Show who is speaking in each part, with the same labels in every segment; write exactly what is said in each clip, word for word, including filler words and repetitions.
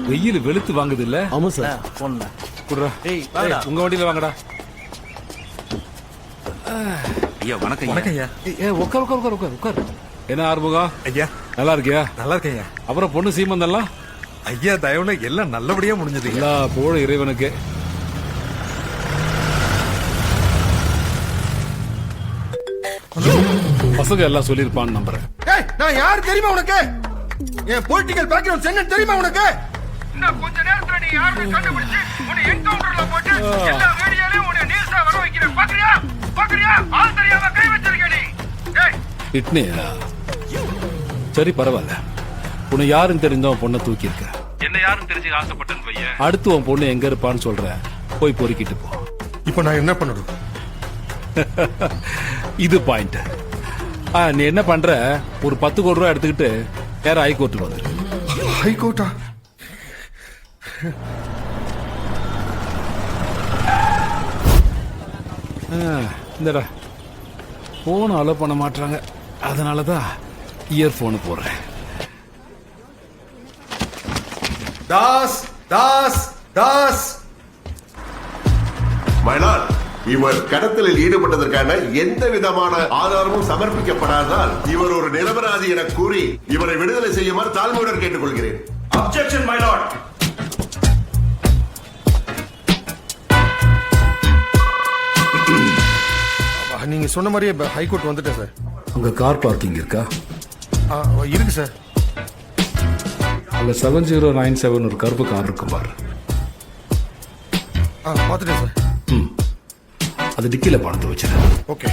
Speaker 1: வெயில் வெளுத்து வாங்குது இல்ல?
Speaker 2: ஆமா சார்.
Speaker 3: போன்ல
Speaker 1: குடுறா.
Speaker 3: ஏய் வாடா.
Speaker 1: உங்க வண்டியில வாங்கடா.
Speaker 4: ஐயா வணக்கம்
Speaker 2: வணக்கம் ஐயா.
Speaker 1: ஏ உட்கார் உட்கார் உட்கார் உட்கார் உட்கார். என்ன ஆறுமுகம்,
Speaker 2: ஐயா
Speaker 1: நல்லா இருக்கியா?
Speaker 2: நல்லா இருக்கேன் ஐயா.
Speaker 1: அப்புறம் பொண்ணு சீமந்தெல்லாம்?
Speaker 2: ஐயா தயவுல எல்லாம் நல்லபடியா முடிஞ்சது.
Speaker 1: எல்லா புகழும் இறைவனுக்கு. பசங்க எல்லாம் சொல்லிருப்பான்னு நம்புறேன்.
Speaker 5: நான் யார் தெரியுமா உனக்கு? என் பொலிட்டிக்கல் பேக்ரவுண்ட் என்ன தெரியுமா உனக்கு? இன்னும் கொஞ்ச நேரத்துல நீ யாருன்னு கண்டுபிடிச்சு உன்னை என்கவுண்டர்ல போட்டு எல்லா ரேடியோலயும் உன்னை நியூஸா வர வைக்கிறேன். பாக்குறியா? பாக்குறியா? ஆள் தெரியாம கை வச்சிருக்க நீ. டேய்
Speaker 1: இட்னியா? சரி பரவாயில்ல. உன்னை யாருன்னு தெரிஞ்சவன் பொண்ணை தூக்கி இருக்க.
Speaker 6: என்ன யாரும் தெரிஞ்சு ஆசைப்பட்டேன் பையன்.
Speaker 1: அடுத்து உன் பொண்ணு எங்க இருப்பான்னு சொல்ற, போய் பொறுக்கிட்டு போ.
Speaker 5: இப்போ நான் என்ன பண்ணணும்?
Speaker 1: இது பாயிண்ட். நீ என்ன பண்ற, ஒரு பத்து கோடி ரூபாய் எடுத்துக்கிட்டு நேரம் ஹைகோர்ட்டுக்கு வந்துரு.
Speaker 5: ஹைகோர்ட்டா?
Speaker 1: இந்தடா போன் அலோ பண்ண மாட்டாங்க, அதனாலதான் இயர்போனு போடுறேன்.
Speaker 5: தாஸ் தாஸ் தாஸ்
Speaker 7: மயிலால், இவர் கடத்தலில் ஈடுபட்டதற்கான எந்த விதமான ஆதாரமும் சமர்ப்பிக்கப்படாததால் இவர் ஒரு நிரபராதி என கூறி இவரை விடுதலை செய்யுமாறு தாழ்மையுடன் கேட்டுக்கொள்கிறேன்.
Speaker 6: Objection my lord.
Speaker 5: நீங்க சொன்ன மாதிரியே ஹைகோர்ட் வந்துட்டேன் சார்.
Speaker 1: அங்க கார் பார்க்கிங் இருக்கா?
Speaker 5: ஆ, இருக்கு சார்.
Speaker 1: அங்க செவன் ஜீரோ நைன் செவன் ஒரு கருப்பு கார் இருக்கும் பாரு.
Speaker 5: ஆ, பார்த்துட்டேன் சார்.
Speaker 1: ம், அது டிக்கில பணத்தை வச்சிரு.
Speaker 5: ஓகே.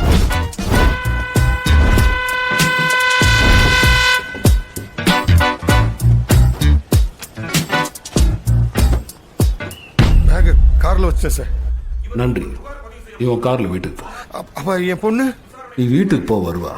Speaker 5: பேக் கார்ல வச்சேன் சார்.
Speaker 1: நன்றி. இவன் கார்ல வீட்டுக்கு போ.
Speaker 5: அப்- அப்ப என் பொண்ணு?
Speaker 1: நீ வீட்டுக்கு போ, வருவா.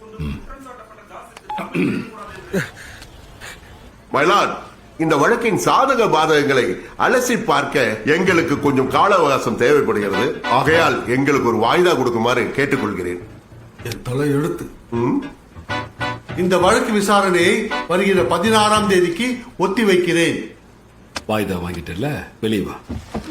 Speaker 7: மயிலால், இந்த வழக்கின் சாதக பாதகங்களை அலசி பார்க்க எங்களுக்கு கொஞ்சம் கால அவகாசம் தேவைப்படுகிறது. ஆகையால் எங்களுக்கு ஒரு வாய்தா கொடுக்குமாறு கேட்டுக்கொள்கிறேன்.
Speaker 8: என் தலை எழுத்து. இந்த வழக்கு விசாரணையை வருகிற பதினாறாம் தேதிக்கு ஒத்தி வைக்கிறேன்.
Speaker 1: வாய்தா வாங்கிட்டல, வெளியே வா.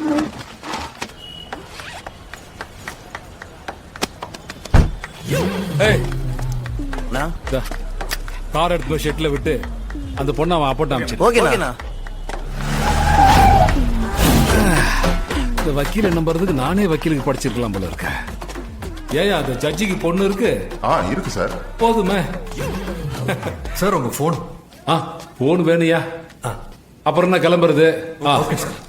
Speaker 1: ஏய்,
Speaker 3: நான்
Speaker 1: இதா, கார் எடுத்து போய் ஷெட்ல விட்டு அந்த பொண்ணை அவன் அப்பட்ட அமைச்சு.
Speaker 3: ஓகேண்ணா.
Speaker 1: இந்த வக்கீல் நம்புறதுக்கு நானே வக்கீலுக்கு படிச்சிருக்கலாம் போல இருக்க. ஏயா அந்த ஜட்ஜிக்கு பொண்ணு இருக்கு?
Speaker 7: ஆ, இருக்கு சார்.
Speaker 1: போதுமே.
Speaker 2: சார் உங்க போன்.
Speaker 1: ஆ, போன் வேணுயா? அப்புறம் என்ன கிளம்புறது? ஆ,
Speaker 2: ஓகே சார்.